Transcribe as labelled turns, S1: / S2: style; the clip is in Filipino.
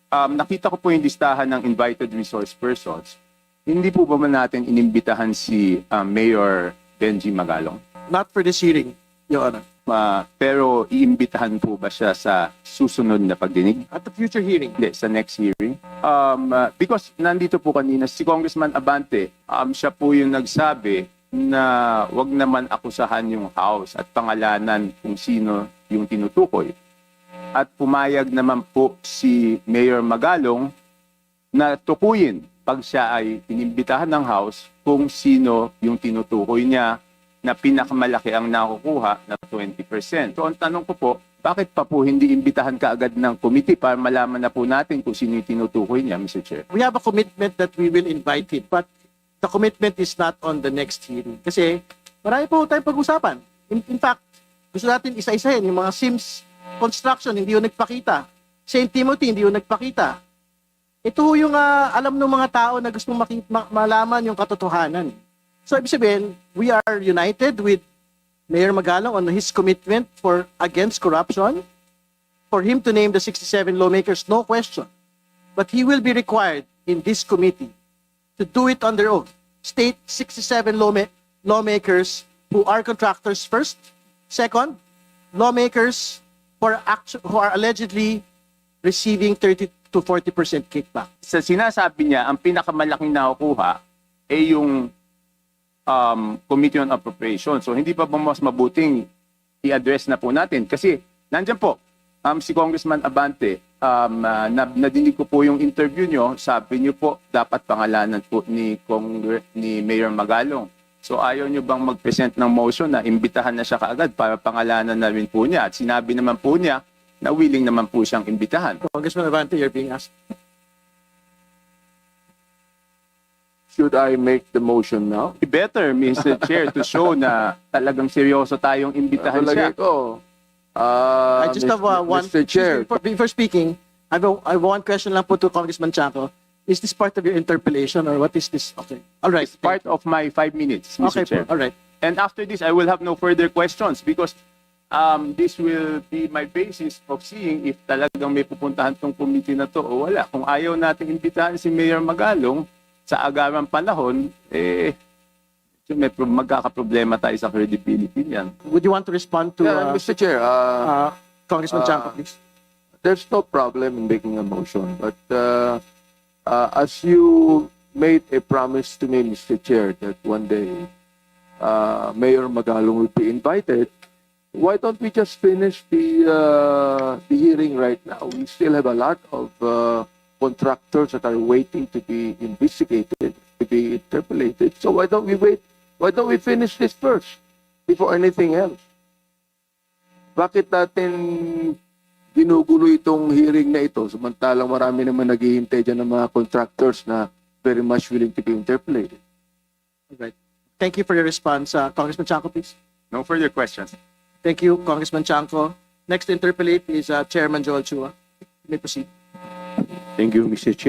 S1: Nakita ko po yung listahan ng invited resource persons. Hindi po ba man natin inimbitahan si Mayor Benji Magalong?
S2: Not for this hearing, Your Honor.
S1: Pero iimbitahan po ba siya sa susunod na pagdinig?
S2: At the future hearing.
S1: Hindi, sa next hearing. Because nandito po kanina si Congressman Abante, siya po yung nagsabi na wag naman akusahan yung House at pangalanan kung sino yung tinutukoy. At pumayag naman po si Mayor Magalong na tukuyin pag siya ay inimbitahan ng House kung sino yung tinutukoy niya na pinakamalaki ang nakukuha na 20%. So ang tanong ko po, bakit pa po hindi imbitahan kaagad ng committee para malaman na po natin kung sino yung tinutukoy niya, Mr. Chair?
S2: We have a commitment that we will invite him, but the commitment is not on the next hearing. Kasi marami po tayong pag-usapan. In fact, gusto natin isa-isahin yung mga SIMS construction, hindi yung nagpakita. St. Timothy, hindi yung nagpakita. Ito yung alam ng mga tao na gustong malaman yung katotohanan. So, ibig sabihin, we are united with Mayor Magalong on his commitment against corruption, for him to name the 67 lawmakers, no question. But he will be required in this committee to do it on their own. State 67 lawmakers who are contractors first. Second, lawmakers who are allegedly receiving 30 to 40% kickback.
S1: Sa sinasabi niya, ang pinakamalaking nakukuha ay yung Committee on Appropriation. So hindi pa ba mas mabuting i-address na po natin? Kasi nandyan po, si Congressman Abante, nadinig ko po yung interview nyo, sabi nyo po dapat pangalanan po ni Mayor Magalong. So ayaw nyo bang mag-present ng motion na imbitahan na siya kaagad para pangalanan na rin po niya? At sinabi naman po niya na willing naman po siyang imbitahan.
S2: Congressman Abante, you're being asked.
S3: Should I make the motion now?
S1: Better, Mr. Chair, to show na talagang seryoso tayong imbitahan siya.
S3: Palagay ko.
S2: I just have one.
S3: Mr. Chair.
S2: Before speaking, I have one question lang po to Congressman Chanco. Is this part of your interpellation or what is this? Okay. All right.
S1: It's part of my 5 minutes, Mr.
S2: Okay
S1: Chair.
S2: po. All right.
S1: And after this, I will have no further questions because this will be my basis of seeing if talagang may pupuntahan tong committee na to o wala. Kung ayaw natin imbitahan si Mayor Magalong sa agarang panahon, may magkakaproblema tayo sa credibility niyan.
S2: Would you want to respond to
S3: Mr. Chair,
S2: Congressman Chanco, please?
S3: there's no problem in making a motion, but as you made a promise to me, Mr. Chair, that one day Mayor Magalong will be invited, why don't we just finish the hearing right now? We still have a lot of contractors that are waiting to be investigated, to be interpolated. So why don't we wait? Why don't we finish this first before anything else? Bakit natin ginugulo itong hearing na ito samantalang marami naman naghihintay dyan ng mga contractors na very much willing to be interpolated?
S2: All right. Thank you for your response. Congressman Chanco, please.
S1: No further questions.
S2: Thank you, Congressman Chanco. Next to interpellate is Chairman Joel Chua. You may proceed.
S3: Thank you, Mr. Chair.